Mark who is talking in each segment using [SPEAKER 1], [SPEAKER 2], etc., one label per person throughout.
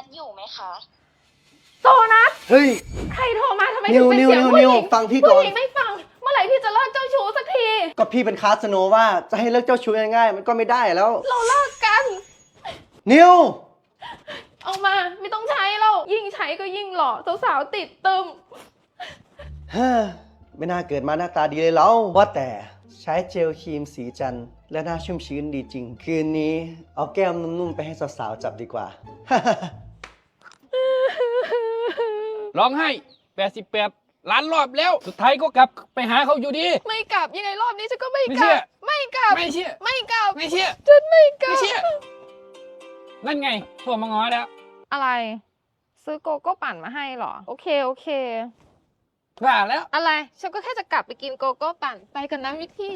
[SPEAKER 1] อยู่ไหมคะ
[SPEAKER 2] โซนัส
[SPEAKER 3] เฮ้ย
[SPEAKER 2] ใครโทรมาทำไมถึงเป็นเสียงผู้หญิง
[SPEAKER 3] ฟังพี่ก่อน
[SPEAKER 2] ผู้หญิงไม่ฟังเมื่อไหร่พี่จะเลิกเจ้าชู้สักที
[SPEAKER 3] ก็พี่เป็นคาสโนว่าจะให้เลิกเจ้าชู้ง่ายๆมันก็ไม่ได้แล้ว
[SPEAKER 2] เราเลิกกัน
[SPEAKER 3] นิว
[SPEAKER 2] เอามาไม่ต้องใช้แล้วยิ่งใช้ก็ยิ่งหล่อสาวๆติดตึม
[SPEAKER 3] เฮ้อไม่น่าเกิดมาหน้าตาดีเลยแล้วว่าแต่ใช้เจลครีมสีจันทร์และหน้าชุ่มชื้นดีจริงคืนนี้เอาแก้มนุ่มๆไปให้สาวๆจับดีกว่า
[SPEAKER 4] ร้องไห้88 ล้านรอบแล้วสุดท้ายก็กลับไปหาเขาอยู่ดี
[SPEAKER 2] ไม่กลับยังไงรอบนี้ฉันก็ไม่
[SPEAKER 4] ไม่
[SPEAKER 2] ก
[SPEAKER 4] เชื่
[SPEAKER 2] ลั
[SPEAKER 4] อ
[SPEAKER 2] บไม่กลับ
[SPEAKER 4] ไม่เชื่อ
[SPEAKER 2] ไม่กลับ
[SPEAKER 4] ไม่เชื่อ
[SPEAKER 2] ฉันไม่กลับ
[SPEAKER 4] ไม่เชื่อนั่นไงโทรมาง้อแล้ว
[SPEAKER 2] อะไรซื้อโกโก้ปั่นมาให้เหรอโอเค
[SPEAKER 4] ว่าแล้ว
[SPEAKER 2] อะไรฉันก็แค่จะกลับไปกินโกโก้ปั่นไปกันนะวิธี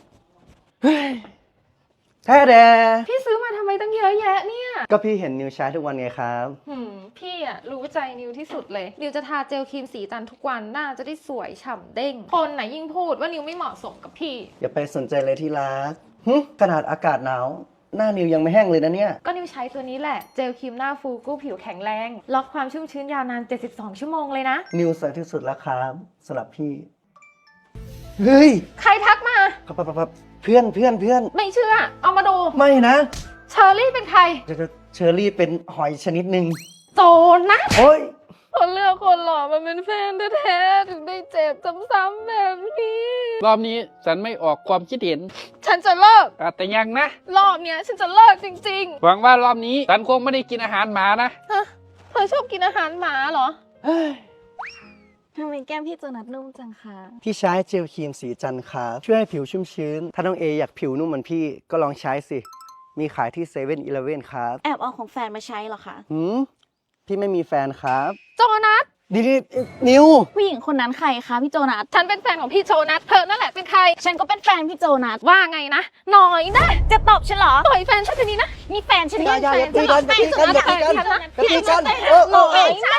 [SPEAKER 3] แท้แด
[SPEAKER 2] พี่ซื้อมาทำไมตั้งเยอะแยะเนี่ย
[SPEAKER 3] ก็พี่เห็นนิวใช้ทุกวันไงครับ
[SPEAKER 2] พี่อะรู้ใจนิวที่สุดเลยนิวจะทาเจลครีมสีจันทร์ทุกวันหน้าจะได้สวยฉ่ำเด้งคนไหนยิ่งพูดว่านิวไม่เหมาะสมกับพี่
[SPEAKER 3] อย่าไปสนใจเลยที่รักขนาดอากาศหนาวหน้านิวยังไม่แห้งเลยนะเนี่ย
[SPEAKER 2] ก็นิวใช้ตัวนี้แหละเจลครีมหน้าฟูกู้ผิวแข็งแรงล็อกความชุ่มชื้นยาวนาน72ชั่วโมงเลยนะ
[SPEAKER 3] นิวสวยที่สุดแล้วครับสำหรับพี่เฮ้ย
[SPEAKER 2] ใครทักมา
[SPEAKER 3] ครับเพื่อน
[SPEAKER 2] ไม่เชื่อเอามาดู
[SPEAKER 3] ไม่นะ
[SPEAKER 2] เชอรี่เป็นใคร
[SPEAKER 3] เชอรี่เป็นหอยชนิดหนึ่ง
[SPEAKER 2] โจนะ
[SPEAKER 3] โอ้ย
[SPEAKER 2] คนเลือกคนหล่อมาเป็นแฟนแท้ๆถึงได้เจ็บซ้ำๆแบบนี้
[SPEAKER 4] รอบนี้ฉันไม่ออกความคิดเห็น
[SPEAKER 2] ฉันจะเลิก
[SPEAKER 4] แต่ยังนะ
[SPEAKER 2] รอบเนี้ยฉันจะเลิกจริง
[SPEAKER 4] หวังว่ารอบนี้ฉันคงไม่ได้กินอาหารหมานะ
[SPEAKER 2] ๆฮะเธอชอบกินอาหารหมาเหรอ
[SPEAKER 1] ทำไมแก้มพี่โจนัสนุ่มจังคะ
[SPEAKER 3] พี่ใช้เจลครีมสีจันทร์ครับช่วยให้ผิวชุ่มชื้น ถ้าน้องเออยากผิวนุ่มเหมือนพี่ก็ลองใช้สิ มีขายที่7-Eleven ครับ
[SPEAKER 1] แอบเอาของแฟนมาใช้เหรอคะ
[SPEAKER 3] พี่ไม่มีแฟนครับ
[SPEAKER 2] โจนัส
[SPEAKER 3] นี่นิว
[SPEAKER 1] ผู้หญิงคนนั้นใครคะพี่โจนัส
[SPEAKER 2] ฉันเป็นแฟนของพี่โจนัสเธอนั่นแหละเป็นใคร
[SPEAKER 1] ฉันก็เป็นแฟนพี่โจนัส
[SPEAKER 2] ว่าไงนะหน่อยนะ
[SPEAKER 1] จะตบฉันเหรอ
[SPEAKER 2] ต่อยแฟนฉันทีนี้นะ
[SPEAKER 1] มีแฟนฉัน
[SPEAKER 3] อย่า
[SPEAKER 1] แฟน
[SPEAKER 3] ตี
[SPEAKER 1] ฉัน
[SPEAKER 3] กันอย่าตีกันอย่าตีกัน
[SPEAKER 2] ฉันนะ
[SPEAKER 3] อย่าตีกัน
[SPEAKER 2] พี่
[SPEAKER 3] เออ
[SPEAKER 2] หน่อยนะ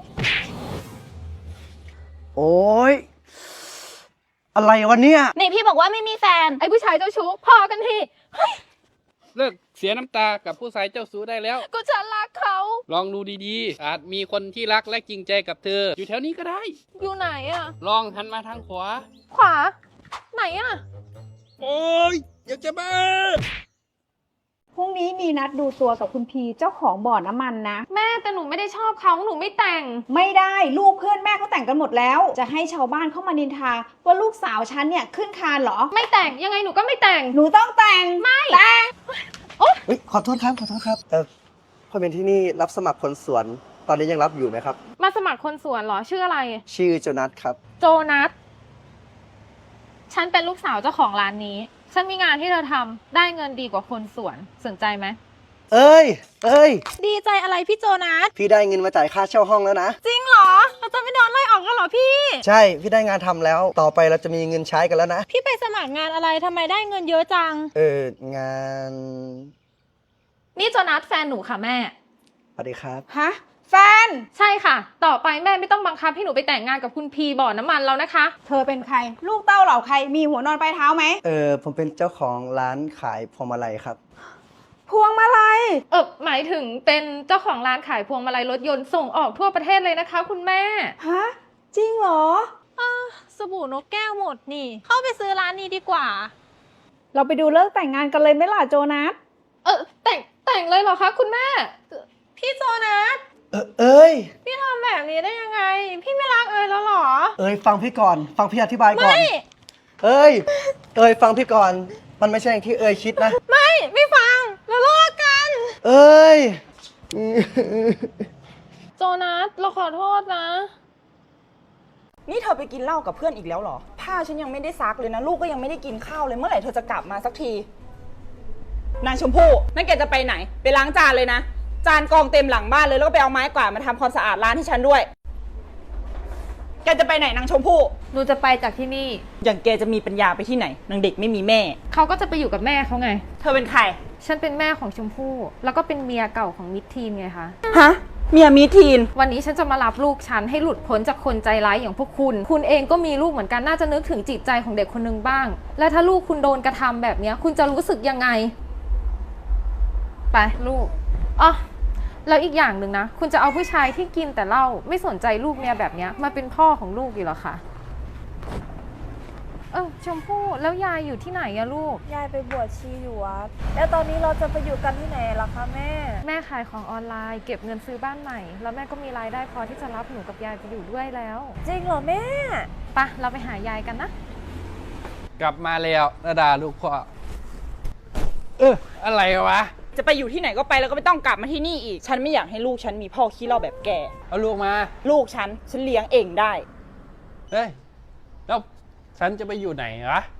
[SPEAKER 3] โอ้ยอะไรวะเนี่ย
[SPEAKER 1] นี่พี่บอกว่าไม่มีแฟน
[SPEAKER 2] ไอ้ผู้ชายเจ้าชู้พอกันที
[SPEAKER 4] เลิกเสียน้ำตากับผู้ชายเจ้าชู้ได้แล้ว
[SPEAKER 2] ก็ฉันรักเขา
[SPEAKER 4] ลองดูดีๆอาจมีคนที่รักและจริงใจกับเธอ อยู่แถวนี้ก็ได้
[SPEAKER 2] อยู่ไหนอะ
[SPEAKER 4] ลองหันมาทางขวา
[SPEAKER 2] ขวา ไหนอะ
[SPEAKER 4] โอ้ยอยากจะบ้า
[SPEAKER 5] พรุ่งนี้มีนัดดูตัวกับคุณพีเจ้าของบ่อน้ำมันนะ
[SPEAKER 2] แม่แต่หนูไม่ได้ชอบเขาหนูไม่แต่ง
[SPEAKER 5] ไม่ได้ลูกเพื่อนแม่เขาแต่งกันหมดแล้ว จะให้ชาวบ้านเข้ามานินทาว่าลูกสาวฉันเนี่ยขึ้นคานเหรอ
[SPEAKER 2] ไม่แต่งยังไงหนูก็ไม่แต่ง
[SPEAKER 5] หนูต้องแต่งไม่แต่ง
[SPEAKER 3] ขอโทษครับพอเป็นที่นี่รับสมัครคนสวน ตอนนี้ยังรับอยู่ไหมครับ
[SPEAKER 2] มาสมัครคนสวนเหรอชื่ออะไร
[SPEAKER 3] ชื่อโจนัสครับ
[SPEAKER 2] โจนัสฉันเป็นลูกสาวเจ้าของร้านนี้ ฉันมีงานที่เธอทำได้เงินดีกว่าคนสวนสนใจไหม
[SPEAKER 3] เอ้ย
[SPEAKER 1] ดีใจอะไรพี่โจนัส
[SPEAKER 3] พี่ได้เงินมาจ่ายค่าเช่าห้องแล้วนะ
[SPEAKER 1] จริงเหรอ เราจะไม่โดนไล่ออกกันเหรอพี่
[SPEAKER 3] ใช่ พี่ได้งานทำแล้ว ต่อไปเราจะมีเงินใช้กันแล้วนะ
[SPEAKER 1] พี่ไปสมัครงานอะไรทำไมได้เงินเยอะจัง
[SPEAKER 3] งาน
[SPEAKER 2] นี่โจนัสแฟนหนูค่ะแม่
[SPEAKER 3] สวัสดีครับ
[SPEAKER 5] ฮะแฟน
[SPEAKER 2] ใช่ค่ะ ต่อไปแม่ไม่ต้องบังคับให้หนูไปแต่งงานกับคุณพีบ่อน้ำมันแล้วนะคะ
[SPEAKER 5] เธอเป็นใคร ลูกเต้าเหล่าใครมีหัวนอนปลายเท้าไหม
[SPEAKER 3] ผมเป็นเจ้าของร้านขายพวงมาลัยครับ
[SPEAKER 5] พวงมาลัย
[SPEAKER 2] หมายถึงเป็นเจ้าของร้านขายพวงมาลัยรถยนต์ส่งออกทั่วประเทศเลยนะคะ คุณแม่
[SPEAKER 5] ฮะจริงเหรอ
[SPEAKER 1] สบู่นกแก้วหมดนี่ เข้าไปซื้อร้านนี้ดีกว่า
[SPEAKER 5] เราไปดูเลิกแต่งงานกันเลยไหมล่ะโจนัส
[SPEAKER 2] แต่งเลยเหรอคะคุณแม่
[SPEAKER 1] พี่โจนัส
[SPEAKER 3] เอ้ย
[SPEAKER 1] พี่ทำแบบนี้ได้ยังไง พี่ไม่รักเอ๋ยแล้วเหรอ
[SPEAKER 3] ฟังพี่ก่อน ฟังพี่อธิบายก่อน เอ้ย ฟังพี่ก่อน มันไม่ใช่อย่างที่คิดนะ
[SPEAKER 1] ไม่ฟังเราเลิกกัน
[SPEAKER 3] เอ้ย
[SPEAKER 2] โจนัสเราขอโทษนะ
[SPEAKER 6] นี่เธอไปกินเหล้ากับเพื่อนอีกแล้วเหรอ ผ้าฉันยังไม่ได้ซักเลยนะ ลูกก็ยังไม่ได้กินข้าวเลย เมื่อไหร่เธอจะกลับมาสักที นางชมพู่นั่นแกจะไปไหน ไปล้างจานเลยนะ จานกองเต็มหลังบ้านเลย แล้วก็ไปเอาไม้กวาดมาทำความสะอาดร้านให้ฉันด้วย แกจะไปไหนนางชมพู่
[SPEAKER 2] หนูจะไปจากที่นี่
[SPEAKER 6] อย่างแกจะมีปัญญาไปที่ไหน นางเด็กไม่มีแม่
[SPEAKER 2] เขาก็จะไปอยู่กับแม่เขาไง
[SPEAKER 6] เธอเป็นใคร
[SPEAKER 2] ฉันเป็นแม่ของชมพู่ แล้วก็เป็นเมียเก่าของมิตรทีนไงคะ
[SPEAKER 6] ฮะ เมียมีทีน
[SPEAKER 2] วันนี้ฉันจะมารับลูกฉันให้หลุดพ้นจากคนใจร้ายอย่างพวกคุณ คุณเองก็มีลูกเหมือนกัน น่าจะนึกถึงจิตใจของเด็กคนนึงบ้าง และถ้าลูกคุณโดนกระทำแบบนี้คุณจะรู้สึกยังไง ไปลูกอ๋อแล้วอีกอย่างหนึ่งนะ คุณจะเอาผู้ชายที่กินแต่เหล้าไม่สนใจลูกเมียแบบเนี้ยมาเป็นพ่อของลูกอยู่เหรอคะชมพู่แล้วยายอยู่ที่ไหนอะลูก
[SPEAKER 1] ยายไปบวชชีอยู่วัดแล้วตอนนี้เราจะไปอยู่กันที่ไหนล่ะคะแม่
[SPEAKER 2] แม่ขายของออนไลน์เก็บเงินซื้อบ้านใหม่แล้วแม่ก็มีรายได้พอที่จะรับหนูกับยายไปอยู่ด้วยแล้ว
[SPEAKER 1] จริงเหรอแม่
[SPEAKER 2] ไปะเราไปหายายกันนะ
[SPEAKER 4] กลับมาแล้วนาดาลูกพ่ออะไรวะ
[SPEAKER 6] จะไปอยู่ที่ไหนก็ไปแล้วก็ไม่ต้องกลับมาที่นี่อีก ฉันไม่อยากให้ลูกฉันมีพ่อขี้เหล้าแบบแก
[SPEAKER 4] เอาลูกมา
[SPEAKER 6] ลูกฉันเลี้ยงเองได้
[SPEAKER 4] เฮ้ย แล้วฉันจะไปอยู่ไหนวะ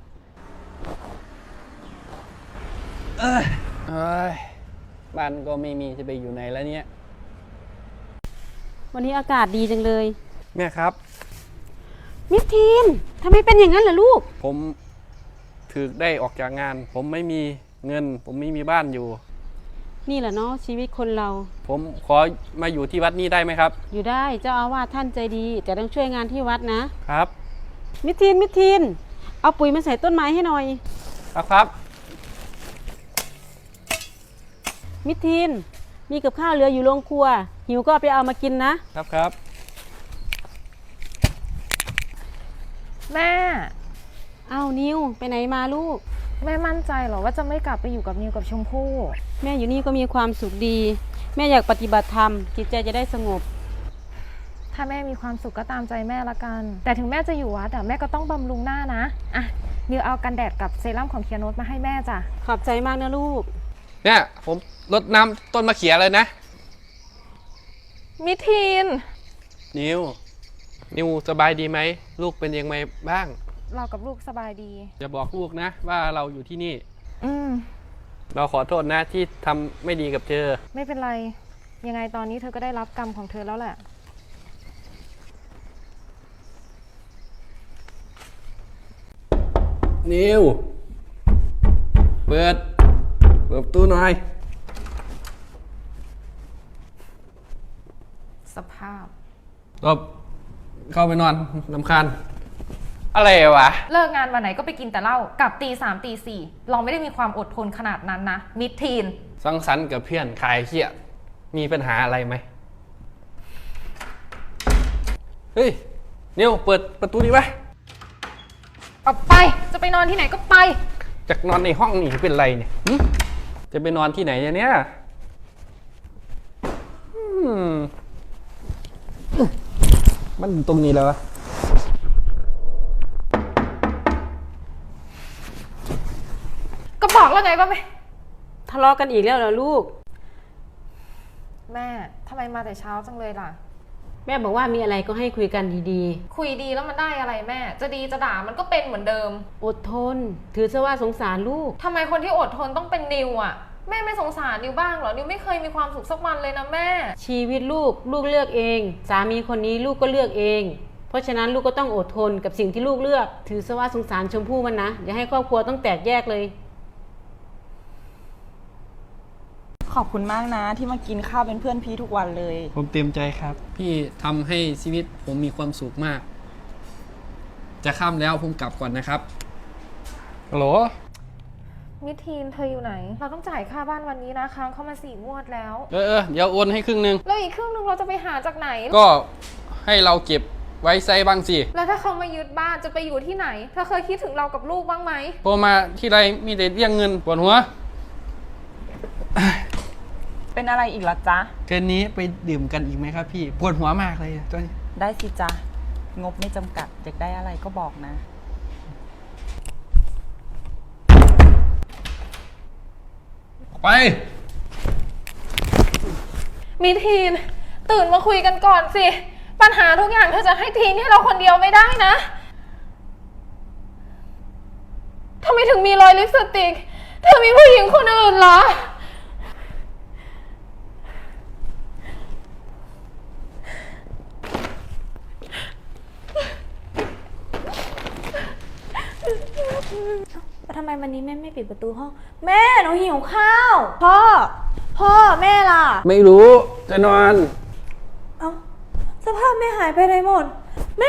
[SPEAKER 4] เอ้ยบ้านก็ไม่มีจะไปอยู่ไหนแล้วเนี่ย
[SPEAKER 7] วันนี้อากาศดีจังเลย
[SPEAKER 4] แม่ครับ
[SPEAKER 7] มิสทีนทำไมเป็นอย่างนั้นล่ะลูก
[SPEAKER 4] ผมถึกได้ออกจากงาน ผมไม่มีเงิน ผมไม่มีบ้านอยู่
[SPEAKER 7] นี่แหละเนาะชีวิตคนเรา
[SPEAKER 4] ผมขอมาอยู่ที่วัดนี้ได้ไหมครับ
[SPEAKER 7] อยู่ได้เจ้าอาวาสท่านใจดี แต่ต้องช่วยงานที่วัดนะ
[SPEAKER 4] ครับ
[SPEAKER 7] มิสทีนเอาปุ๋ยมาใส่ต้นไม้ให้หน่อย
[SPEAKER 4] ครับ
[SPEAKER 7] มิสทีนมีกับข้าวเหลืออยู่โรงครัว หิวก็เอาไปเอามากินนะ
[SPEAKER 4] ครับ
[SPEAKER 2] แม่
[SPEAKER 7] เอานิวไปไหนมาลูก
[SPEAKER 2] แม่มั่นใจเหรอว่าจะไม่กลับไปอยู่กับนิวกับชมพู่
[SPEAKER 7] แม่อยู่นี่ก็มีความสุขดี แม่อยากปฏิบัติธรรมจิตใจจะได้สงบ
[SPEAKER 2] ถ้าแม่มีความสุขก็ตามใจแม่ละกัน แต่ถึงแม่จะอยู่วัดแม่ก็ต้องบำรุงหน้านะอ่ะนิวเอากันแดดกับเซรั่มของเคียโนตมาให้แม่จ้ะ
[SPEAKER 7] ขอบใจมากนะลูก
[SPEAKER 4] เนี่ยผมรดน้ำต้นมะเขือเลยนะ
[SPEAKER 2] มิทีน
[SPEAKER 4] นิวสบายดีไหม ลูกเป็นยังไงบ้าง
[SPEAKER 2] เรากับลูกสบายดี
[SPEAKER 4] อย่าบอกลูกนะว่าเราอยู่ที่นี่
[SPEAKER 2] อืม
[SPEAKER 4] เราขอโทษนะที่ทำไม่ดีกับเธอ
[SPEAKER 2] ไม่เป็นไร ยังไงตอนนี้เธอก็ได้รับกรรมของเธอแล้วแหละ
[SPEAKER 4] นิวเปิดประตูหน่อย
[SPEAKER 2] สภาพ
[SPEAKER 4] ตบเข้าไปนอนรำคาญอะไรวะ
[SPEAKER 2] เลิกงานวันไหนก็ไปกินแต่เหล้ากลับตี 3 ตี 4เราไม่ได้มีความอดทนขนาดนั้นนะมิดทีน
[SPEAKER 4] สังสรรค์กับเพื่อนคลายเครียดมีปัญหาอะไรไหม เฮ้ย นิวเปิดประตูดีไว้
[SPEAKER 2] ออกไปจะไปนอนที่ไหนก็ไป
[SPEAKER 4] จากนอนในห้องนี่เป็นไรเนี่ยหึจะไปนอนที่ไหนเนี่ยมันตรงนี้แล้ววะ
[SPEAKER 2] ก็บอกแล้วไงว่าไม่
[SPEAKER 7] ทะเลาะกันอีกแล้วเหรอลูก
[SPEAKER 2] แม่ทำไมมาแต่เช้าจังเลยล่ะ
[SPEAKER 7] แม่บอกว่ามีอะไรก็ให้คุยกันดี
[SPEAKER 2] คุยดีแล้วมันได้อะไรแม่ จะดีจะด่ามันก็เป็นเหมือนเดิม
[SPEAKER 7] ๆ อดทน ถือซะว่าสงสารลูก
[SPEAKER 2] ทำไมคนที่อดทนต้องเป็นนิวอ่ะ แม่ไม่สงสารนิวบ้างเหรอ นิวไม่เคยมีความสุขสักวันเลยนะแม่
[SPEAKER 7] ชีวิตลูกเลือกเอง สามีคนนี้ลูกก็เลือกเอง เพราะฉะนั้นลูกก็ต้องอดทนกับสิ่งที่ลูกเลือก ถือซะว่าสงสารชมพู่มันนะ อย่าให้ครอบครัวต้องแตกแยกเลย
[SPEAKER 6] ขอบคุณมากนะที่มากินข้าวเป็นเพื่อนพี่ทุกวันเลย
[SPEAKER 4] ผมเต็มใจครับ พี่ทำให้ชีวิตผมมีความสุขมาก จะค่ำแล้วผมกลับก่อนนะครับฮัลโหล
[SPEAKER 2] มิทีนเธออยู่ไหน เราต้องจ่ายค่าบ้านวันนี้นะค้างเข้ามา4 งวดแล้ว
[SPEAKER 4] เดี๋ยวโอนให้ครึ่งนึง
[SPEAKER 2] แล้วอีกครึ่งนึงเราจะไปหาจากไหน
[SPEAKER 4] ก็ให้เราเก็บไว้ใช้บ้างสิ
[SPEAKER 2] แล้วถ้าเขามายึดบ้านจะไปอยู่ที่ไหนเธอเคยคิดถึงเรากับลูกบ้างไหม
[SPEAKER 4] โทรมาที่ไรมีแต่เรียกเงินปวดหัว
[SPEAKER 6] เป็นอะไรอีกล่ะจ๊ะ
[SPEAKER 4] เกินนี้ไปดื่มกันอีกไหมครับพี่ปวดหัวมากเลยตอนนี้
[SPEAKER 6] ได้สิจ๊ะ งบไม่จำกัดอยากได้อะไรก็บอกนะ
[SPEAKER 4] ไป
[SPEAKER 2] มิทีนตื่นมาคุยกันก่อนสิ ปัญหาทุกอย่างเธอจะให้ทิ้งให้เราคนเดียวไม่ได้นะทำไมถึงมีรอยลิปสติก เธอมีผู้หญิงคนอื่นเหรอ
[SPEAKER 1] ทำไมวันนี้แม่ไม่ปิดประตูห้อง แม่หนูหิวข้าว พ่อแม่ล่ะ
[SPEAKER 4] ไม่รู้จะนอน
[SPEAKER 1] เอ้าสภาพแม่หายไปไหนหมด แม่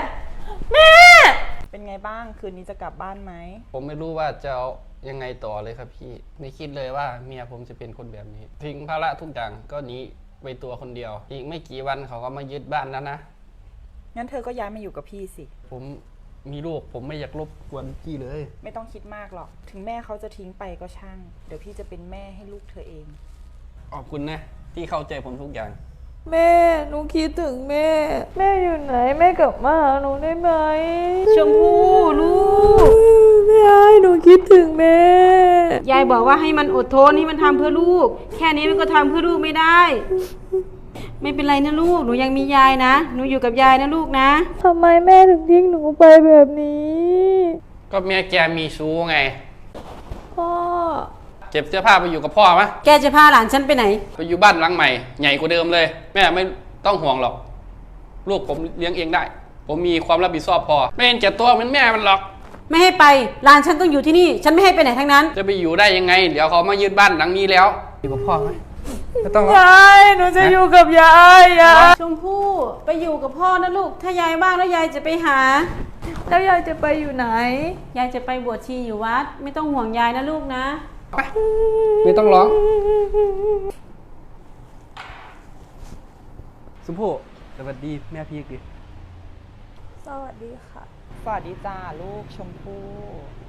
[SPEAKER 6] เป็นไงบ้าง คืนนี้จะกลับบ้านไหม
[SPEAKER 4] ผมไม่รู้ว่าจะเอายังไงต่อเลยครับพี่ ไม่คิดเลยว่าเมียผมจะเป็นคนแบบนี้ ทิ้งภาระทุกอย่างก็หนีไว้ตัวคนเดียว อีกไม่กี่วันเขาก็มายึดบ้านแล้วนะ
[SPEAKER 6] งั้นเธอก็ย้ายมาอยู่กับพี่สิ
[SPEAKER 4] ผมมีลูกผมไม่อยากรบกวนพี่เลย
[SPEAKER 6] ไม่ต้องคิดมากหรอก ถึงแม่เขาจะทิ้งไปก็ช่าง เดี๋ยวพี่จะเป็นแม่ให้ลูกเธอเอง
[SPEAKER 4] ขอบคุณนะที่เข้าใจผมทุกอย่าง
[SPEAKER 1] แม่หนูคิดถึงแม่ แม่อยู่ไหนแม่กลับมาหาหนูได้ไหม
[SPEAKER 7] ชมพู่ลูก
[SPEAKER 1] แม่หนูคิดถึงแม่
[SPEAKER 7] ยายบอกว่าให้มันอดทนให้มันทำเพื่อลูก แค่นี้มันก็ทำเพื่อลูกไม่ได้ ไม่เป็นไรนะลูก หนูยังมียายนะ หนูอยู่กับยายนะลูกนะ
[SPEAKER 1] ทำไมแม่ถึงทิ้งหนูไปแบบนี้
[SPEAKER 4] ก็เมียแกมีชู้ไง
[SPEAKER 1] พ่อ
[SPEAKER 4] เก็บเสื้อผ้าไปอยู่กับพ่อมะ
[SPEAKER 7] แกจะพาหลานฉันไปไหน
[SPEAKER 4] ไปอยู่บ้านหลังใหม่ ใหญ่กว่าเดิมเลย แม่ไม่ต้องห่วงหรอก ลูกผมเลี้ยงเองได้ ผมมีความรับผิดชอบพอ ไม่เห็นแก่ตัวเหมือนแม่มันหรอก
[SPEAKER 7] ไม่ให้ไป หลานฉันต้องอยู่ที่นี่ ฉันไม่ให้ไปไหนทั้งนั้น
[SPEAKER 4] จะไปอยู่ได้ยังไง เดี๋ยวเขามายึดบ้านหลังนี้แล้ว อยู่กับพ่อไหมไม่ต้องหรอก
[SPEAKER 1] ยายหนูจะอยู่กับยายยาย
[SPEAKER 7] ชมพู่ไปอยู่กับพ่อนะลูก ถ้ายายว่างแล้วยายจะไปหา
[SPEAKER 1] แล้วยายจะไปอยู่ไหน
[SPEAKER 7] ยายจะไปบวชชีอยู่วัด ไม่ต้องห่วงยายนะลูกนะ
[SPEAKER 4] ไปไม่ต้องร้องสมพู่สวัสดีแม่พีกดิ
[SPEAKER 1] สวัสดีค่ะ
[SPEAKER 6] สวัสดีจ้าลูกชมพู่